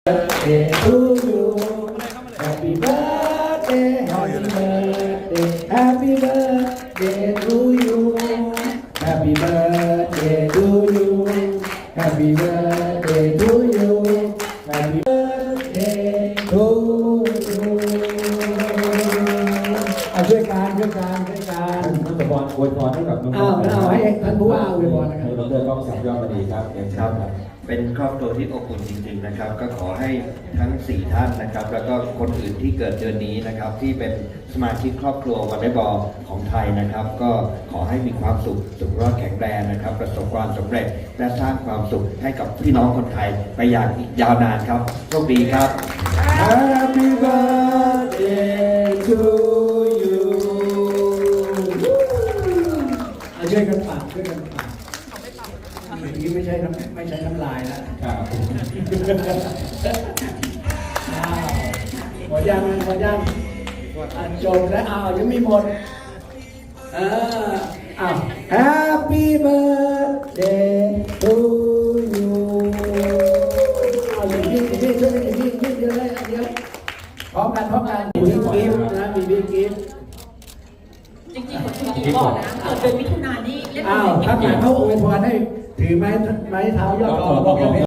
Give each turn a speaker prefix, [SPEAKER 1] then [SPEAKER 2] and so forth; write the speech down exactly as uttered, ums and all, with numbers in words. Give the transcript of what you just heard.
[SPEAKER 1] birthday to you Happy birthday Happy birthday Happy birthday to you Happy birthday to you Happy birthday to you Happy birthday to you เอาช่วยการช่วยการช่วยการ
[SPEAKER 2] ท่านสมบัติอวยพรให้กับน้องๆ
[SPEAKER 1] เอาเอาให้ท่านผู้ว่าอวยพรนะครับ
[SPEAKER 2] ให้ดรก้องศักดิ์ยอดมณีครับเรียนเชิญครับ
[SPEAKER 3] เป็นครอบครัวที่อบอุ่นจริงๆนะครับก็ขอให้ทั้งสี่ท่านนะครับแล้วก็คนอื่นที่เกิดเดือนนี้นะครับที่เป็นสมาชิกครอบครัววอลเลย์บอลของไทยนะครับก็ขอให้มีความสุขสุขรอดแข็งแรงนะครับประสบความสำเร็จและสร้างความสุขให้กับพี่น้องคนไทยไปอย่างอีกยาวนานครับโชคดีครับ
[SPEAKER 1] Happy birthday to you เอาช่วยกันปากช่วยกันปากเมื่อกี้ไม่ใช่น้ำไม่ใช่น้ำลายแล้ว
[SPEAKER 2] ครับ
[SPEAKER 1] อ้าวหมดยังหมดยังอ่ะจบแล้วอ้าวยังไม่หมดเอออ้าว Happy birthday to you เอาอย่างนี้อย่างนี้ช่วยกันอย่างนี้อย่างนี้เดียวเลยอันเดียวพร้อมกันพร้อมกันมีกิฟต์นะมีบิ๊กกิฟต์
[SPEAKER 4] จริงๆผมคุณอีกก่อนนะเกิดเดือนมิถุนายนนี่เล่น
[SPEAKER 1] อ้าว
[SPEAKER 4] เป็น
[SPEAKER 1] ถ้าอยากเขาอวยพรให้ถือไม้ไม้เท้ายอดกอบอกอย่างนี้